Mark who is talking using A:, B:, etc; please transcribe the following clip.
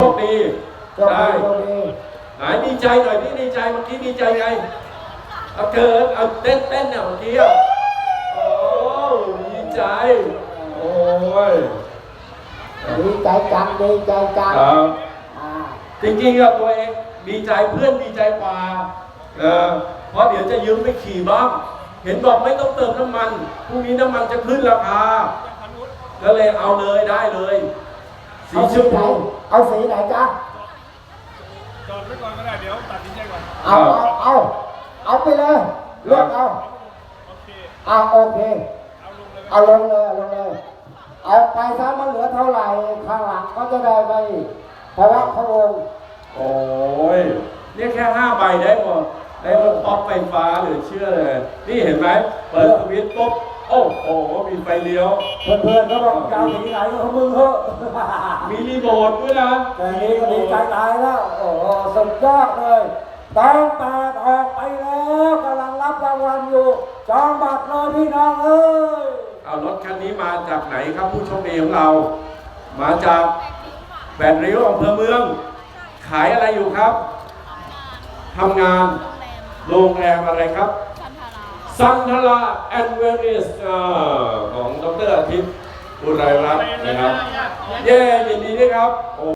A: คดีได้ไหนดีใจหน่อยพี่ดีใจเมื่อกี้ดีใจไงเอาเกิดเอาเต้นเนี่ยเมื่อกี้โอ้ดีใจโอ้ย
B: ดีใจจังดีใจจัง
A: จริงๆกับตัวเองดีใจเพื่อนดีใจกว่าเพราะเดี๋ยวจะยืมไปขี่บ้างเห็นบอกไม่ต้องเติมน้ำมันพรุ่งนี้น้ำมันจะขึ้นราคาก็เลยเอาเลยได้เลยสีชมพู
B: เอาสีไหนจ๊ะ
C: จอดไว้ก่อนก็ได้เดี๋ยวตัดสินใจก่อน
B: เอาไปเลยเลือกเอา
C: โอเค
B: โอเค
C: เอาลงเลย
B: เอาไปซะมันเหลือเท่าไหร่ข้างหลังก็จะได้ไปเพราะว่าพระองค์
A: โอ้ยนี่แค่5 ใบได้หมดได้รถป๊อปไฟฟ้าหรือเชื่อเลยนี่เห็นไหมเปิดสวิตช์ปุ๊บโอ้โหมีไฟเลี้ยว
B: เพื่อนๆก็บอกจะเอาสีไหนก็มึงเถอะ
A: มีรีโมทด้วยนะ
B: แต่นี้ก็ดีใจตายแล้วโอ้สุดยอดเลยต้องแปดออกไปแล้วกำลังรับรางวัลอยู่จองบัตรเลยพี่น้องเอ้ย
A: เอารถคันนี้มาจากไหนครับผู้โชคดีของเรามาจาก8 ริ้วอำเภอเมืองขายอะไรอยู่ครับทำงานโรงแรมอะไรครับซันทราแอนด์เวนิสของดร.อาทิตย์อุไรรัตน์นะครับเย้ยินดีด้วยครับ